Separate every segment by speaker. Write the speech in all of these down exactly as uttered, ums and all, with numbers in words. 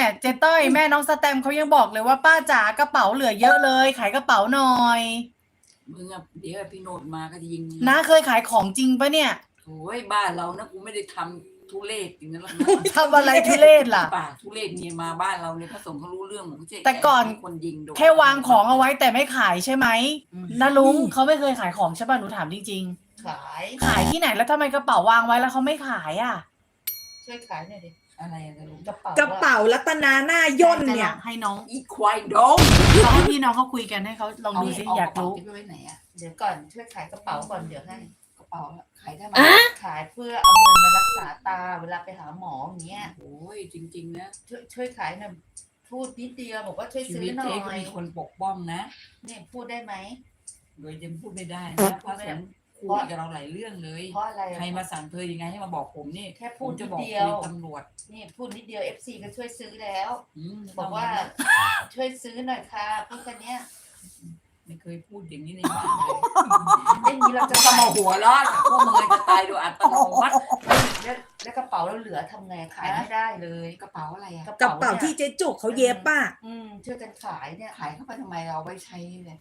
Speaker 1: เนี่ยเจ๊ต้อยแม่น้องสแตมเขายังบอกเลยว่าป้าจ๋ากระเป๋าเหลือเยอะเลยขายกระเป๋าหน่อย
Speaker 2: มึงอะเดี๋ยวพี่โนดมาก็จะยิงมึง
Speaker 1: น้าเคยขายของจริงปะเนี่ย
Speaker 2: โอ้ยบ้านเรานะกูไม่ได้ทำทุเรศอย่างนั้นหรอกนะ
Speaker 1: ทำอะไรทุเรศล่ะ
Speaker 2: ป่าทุเรศเนี่ยมาบ้านเราเนี่ยพระสงฆ์เขารู้เรื่องหมดเจ๊
Speaker 1: แต่ก่อน
Speaker 2: คนยิงโดน
Speaker 1: แค่วางของเอาไว้แต่ไม่ขายใช่ไหมนะลุงเขาไม่เคยขายของใช่ป่ะหนูถามจริง
Speaker 3: ขาย
Speaker 1: ๆขายที่ไหนแล้วทำไมกระเป๋าวางไว้แล้วเขาไม่ขายอ่ะ
Speaker 3: ช่วยขายหน่อยดิ
Speaker 2: อะไรอะไรลุง
Speaker 3: กระเป๋ากระ
Speaker 4: เป๋ารัตนาหน้าย่นเนี่ย
Speaker 1: ให้น้อง
Speaker 2: อีควายดง
Speaker 1: เขาให้พี่น้องเขาคุยกันให้เขาลองดูสิอยากรู้
Speaker 2: ไว้ไหนอะ
Speaker 3: เดี๋ยวก่อนช่วยขายกระเป๋าก่อนเดี๋ยวให้
Speaker 2: กระเป๋าขายได้ไหม
Speaker 3: ขายเพื่อเอาเงินมารักษาตาเวลาไปหาหมออย่างเงี้ย
Speaker 2: โอ้ยจริงๆนะ
Speaker 3: ช่วยช่วยขายหน่อยพูดนิดเดียวบอกว่าช่วย
Speaker 2: ชี
Speaker 3: ซื้อ
Speaker 2: วิต
Speaker 3: หน่อ
Speaker 2: เจ๊ก็
Speaker 3: ย
Speaker 2: มีคนปกป้องนะ
Speaker 3: เนี่ยพูดได้ไหม
Speaker 2: โดยยังพูดไม่ได้นะพระสงฆ์คุยกับเราหลายเรื่องเลย
Speaker 3: เพราะอะไร
Speaker 2: ใครมาสั่งเธอยังไงให้มาบอกผมนี่
Speaker 3: แค่พูด
Speaker 2: จะบอก
Speaker 3: เดียว
Speaker 2: ตำรวจ
Speaker 3: นี่พูดนิดเดียวเอฟซีก็ช่วยซื้อแล้ว
Speaker 2: บบ อ
Speaker 3: อก ก
Speaker 2: ว่า
Speaker 3: ว่าช่วยซื้อหน่อยค่ะพูดแค่นี้
Speaker 2: ไม่เคยพูดอย่างนี้ในบ้านเลย
Speaker 3: ไม่มีเราจะ
Speaker 2: จะมาหัวร้อนพวกมึงจะตายโดยอัตโนมัติ
Speaker 3: แล้วแล้วกระเป๋าเราเหลือทำไงขายไม่ได้เลย
Speaker 2: กระเป๋าอะไรอะ
Speaker 4: กระเป๋าที่เจ๊จุกเขาเย็บป่ะ
Speaker 3: อืมช่วยกันขายเนี่ย
Speaker 2: ขายเข้าไปทำไมเราไว้ใช้เนี่ย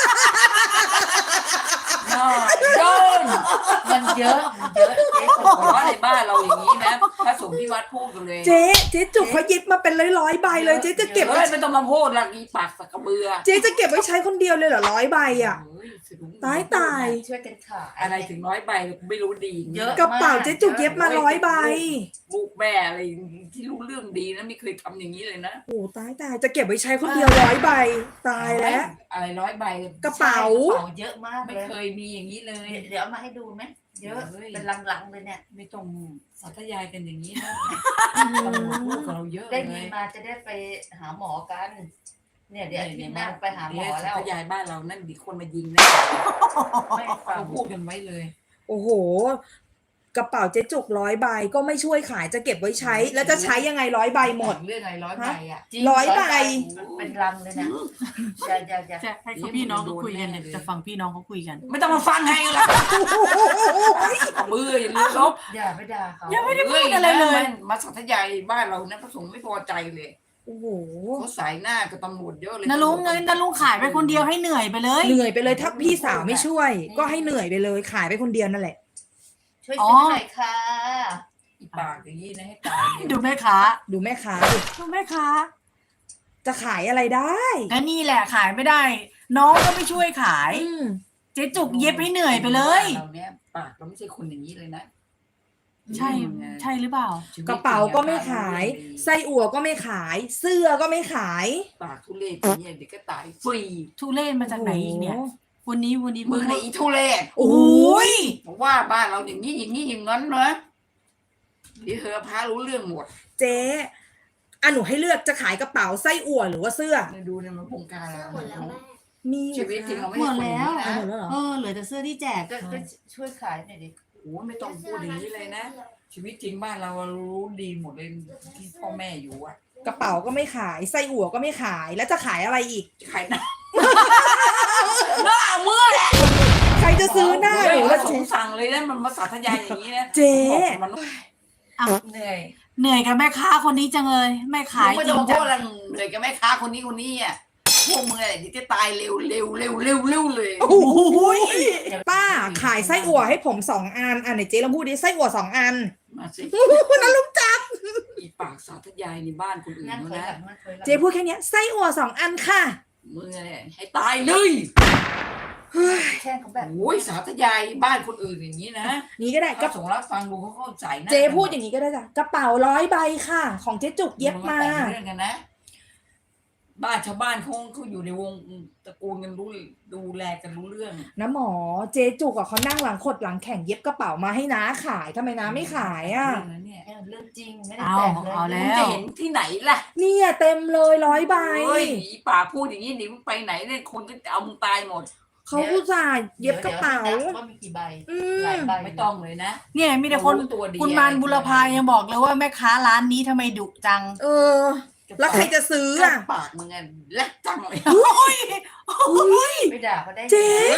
Speaker 2: โดน
Speaker 3: มันเยอะมันเยอะเจ๊
Speaker 2: บอกว่าในบ้านเราอย่างนี้นะพระสงฆ์ที่วัดพูดกันเลย
Speaker 4: เจ๊เจ๊จุกเขาเย็บมาเป็นร้อยๆใบเลยเจ๊จะเก็บ
Speaker 2: ไว้ไม่ต้องมาพูดละอีปากสักกระเบือ
Speaker 4: เจ๊จะเก็บไว้ใช้คนเดียวเลยเหรอร้อยใบอ่ะตายตาย
Speaker 3: ช่วยกันขาย
Speaker 2: อะไรถึงร้อยใบไม่รู้ดี
Speaker 3: เยอะ
Speaker 4: กระเป๋าเจ๊จุกเย็บมาร้อยใบ
Speaker 2: บุกแม่อะไรที่รู้เรื่องดีนะไม่เคยทำอย่างนี้เลยนะ
Speaker 4: โอ้ตายตายจะเก็บไว้ใช้คนเดียวร้อยใบตายแล้ว
Speaker 2: อะไรร้อยใบ
Speaker 4: กระเป๋า
Speaker 3: เยอะมาก
Speaker 2: ไม่เคยมีอย่างนี้เลย
Speaker 3: เดี๋ยวเอามาให้ดูไหมเยอะเป็นลังๆเลยเนี่ย
Speaker 2: ไม่ต้องสาธยายกันอย่างนี้นะพูดกับเราเยอะ
Speaker 3: ได้มีมาจะได้ไปหาหมอกันเนี่ยเดี๋ยวที่หน้าไปหาหมอแล้ว
Speaker 2: สาธยายบ้านเรานั่นดีคนมายิงนะไม่ฟังพูดกันไว้เลย
Speaker 4: โอ้โหกระเป๋าเจ๊จุกร้อยใบก็ไม่ช่วยขายจะเก็บไว้ใช้แล้วจะใช้ยังไงร้อยใบหมด
Speaker 2: เรื่องอะไรร้อยใบอ่ะ
Speaker 4: ร้อยใบ
Speaker 3: เป็นรังเลยนะอย่าอย่าอย่า
Speaker 1: ให้พี่น้องเขาคุยกันเนี่ยจะฟังพี่น้องเขาคุยกัน
Speaker 2: ไม่ต้องมาฟังให้ละมืออย่าลืมลบ
Speaker 3: อย่าไปด่าเขา
Speaker 1: ยังไม่ได้พูดอะไรเลย
Speaker 2: มาสาธยายบ้านเรานะพระสงฆ์ไม่พอใจเลย
Speaker 4: โอ้โห
Speaker 2: เขาสายหน้ากับตำรวจเยอะเลย
Speaker 1: นะลุงเงินนะลุงขายไปคนเดียวให้เหนื่อยไปเลย
Speaker 4: เหนื่อยไปเลยถ้าพี่สาวไม่ช่วยก็ให้เหนื่อยไปเลยขายไปคนเดียวนั่นแหละ
Speaker 3: ช่วยซื้อหน่อยค่ะ
Speaker 2: อีปากอย่างนี้นะให้ตาย
Speaker 1: ดูแม่ค้า
Speaker 4: ดูแม่ค้า
Speaker 1: ดูแม่ค้า
Speaker 4: จะขายอะไรได้
Speaker 1: ก็นี่แหละขายไม่ได้น้องก็ไม่ช่วยขายเจ๊จุกเย็บให้เหนื่อยไปเลย
Speaker 2: เราเนี้ยปากเราไม่ใช่คนอย่างนี้เลยนะ
Speaker 1: ใช่ใช่หรือเปล่า
Speaker 4: กระเป๋าก็ไม่ขายไส้อั่วก็ไม่ขายเสื้อก็ไม่ขาย
Speaker 2: ปากทุเรศอย่างนี้เด็กก็ตายฟรี
Speaker 1: ทุเรศมาจากไหนอีกเนี่ยวันนี้วันนี้
Speaker 2: มึงไอ้ทุเรศ
Speaker 1: โอ้ย
Speaker 2: บอกว่าบ้านเราอย่างนี้อย่างนี้อย่างนั้นนะเดี๋ยวเธอพารู้เรื่องหมด
Speaker 4: เจ๊อ่ะหนูให้เลือกจะขายกระเป๋าไส้อั่วหรือว่าเสื้อ
Speaker 2: ดูในมันโครงการแล้ว
Speaker 4: มี
Speaker 2: ชีวิตจริงเราไม่
Speaker 1: หมดแล้ว
Speaker 4: เอ
Speaker 1: อเหลือแต่เสื้อที่แจก
Speaker 3: ก็ช่วยขายหน่อยดิ
Speaker 2: โอ้ไม่ต้องพูดอย่างนี้เลยนะชีวิตจริงบ้านเรารู้ดีหมดเลยที่พ่อแม่อยู่อ่ะ
Speaker 4: กระเป๋าก็ไม่ขายไส้อั่วก็ไม่ขายแล้วจะขายอะไรอีก
Speaker 2: ขายหน้าหน้าเมื่อแหละ
Speaker 4: ใครจะซื้อหน้าหนู
Speaker 2: ละสงสั่งเลยนะมันมาสาธยายอย่างนี้นะ
Speaker 4: เจ๊
Speaker 2: มัน
Speaker 3: เหนื่อย
Speaker 1: เหนื่อยกับแม่ค้าคนนี้จังเลยแม่ขาย
Speaker 2: จริงจังเหนื่อยกับแม่ค้าคนนี้คนนี้อ่ะพวกมึงอะไรจะตายเร็วเร็วเร็วเร็วเร็วเลย
Speaker 4: โอ้ยป้าขายไส้อั่วให้ผมสองอันอ่ะไหนเจ๊ลองพูดดิไส้อั่วสองอัน
Speaker 2: มาสิ
Speaker 4: นั่นลุงจับ
Speaker 2: อีปากสาธยายในบ้านคนอื่นนะ
Speaker 4: เจ๊พูดแค่นี้ไส้อั่วสองอันค่ะ
Speaker 2: มึงอะไรให้ตายเลย
Speaker 3: แค่เขาแบบ
Speaker 2: โอ้ยสาธยายบ้านคนอื่นอย่างนี้นะ
Speaker 4: นี่ก็ได้
Speaker 2: ก็ส่งรับฟังดูเขาเข้าใจนะ
Speaker 4: เจ๊พูดอย่างนี้ก็ได้จ้ะกระเป๋าร้อยใบค่ะของเจ๊จุกเย็บมา
Speaker 2: เรื่องกันนะบ้านชาวบ้านเขาเขาอยู่ในวงตระกูลกันรู้ดูแลกันรู้เรื่อง
Speaker 4: นะหมอเจ๊จุกอ่ะเขานั่งหลังขดหลังแข่งเย็บกระเป๋ามาให้น้าขายทำไมน้าไม่ขายอ่ะ
Speaker 3: เรื่องจริงไม่ได้แต่งเลย
Speaker 1: เอาแล้ว
Speaker 2: จะเห็นที่ไหนล่ะ
Speaker 4: เนี่ยเต็มเลยร้อยใบ
Speaker 2: เฮ้ยป่าพูดอย่างนี้หนิมึงไปไหนเนี่ยคนก็จะเอามึงตายหมด
Speaker 4: เขาอุตส่าห์เย็บกระเป๋า
Speaker 3: ว่ามีกี่ใบ
Speaker 4: หลายใบ
Speaker 2: ไม่ต้องเลยนะ
Speaker 1: เนี่ยมีแต่คนคุณมานบุรพายังบอกเลยว่าแม่ค้าร้านนี้ทำไมดุจัง
Speaker 4: เออแล้วใครจะซื้ออ่ะ
Speaker 2: ปากมึงอ่ะแลกจังเลย
Speaker 4: โอ้ย
Speaker 3: ไม่ด่าเขาได้
Speaker 4: เจ๊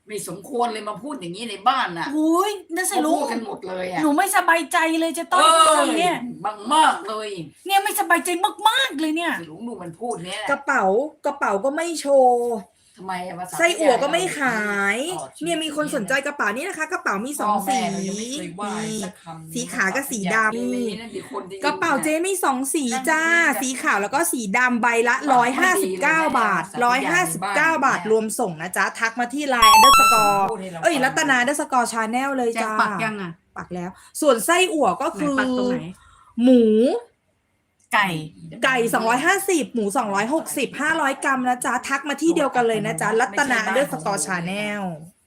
Speaker 2: ไม่สมควรเลยมาพูดอย่างนี้ในบ้านน่ะ
Speaker 1: อุ้ยนั่นสิ
Speaker 2: เขา
Speaker 1: ลุ
Speaker 2: พู
Speaker 1: ง
Speaker 2: ดกันหมดเลยอ่ะ
Speaker 1: หนูไม่สบายใจเลยเจะต้อย
Speaker 2: เออ
Speaker 1: ทำเนี่ย
Speaker 2: บางมากเลย
Speaker 1: เนี่ยไม่สบายใจมากๆเลยเนี่ย
Speaker 2: หลุงดูมันพูดเนี่ย
Speaker 4: กระเป๋ากระเป๋าก็ไม่โชว์
Speaker 2: ทำไมอะภาษา
Speaker 4: ไส้อั่วก็ไม่ขาย
Speaker 2: อ๋อ
Speaker 4: เนี่ยมีคนสนใจกระเป๋านี่นะคะ กระเป๋ามีสองสี
Speaker 2: พ่แม่เรายังไม่เคยว่า
Speaker 4: นี่
Speaker 2: สักคำ
Speaker 4: สีขาวกับสีดำ
Speaker 2: มีนั่นดิคนที่
Speaker 4: กระเป๋าเจ๊มีสองสีจ้า สีขาวแล้วก็สีดำใบละร้อยห้าสิบเก้าบาทร้อยห้าสิบเก้าบาทรวมส่งนะจ๊ะ ทักมาที่ไลน์ underscore เอ้ยรัตนา underscore channel เลย
Speaker 1: แจ็ค
Speaker 4: จ้า
Speaker 1: ปักยังอ่ะ
Speaker 4: ปักแล้ว ส่วนไส้อั่วก็
Speaker 1: ไหน
Speaker 4: คือ
Speaker 1: ปักตรงไหน
Speaker 4: หมู
Speaker 1: ไก่
Speaker 4: ไก่สองร้อยห้าสิบหมูสองร้อยหกสิบ ห้าร้อยกรัมนะจ๊ะ ทักมาที่เดียวกันเลยนะจ๊ะ รัตนา underscore channel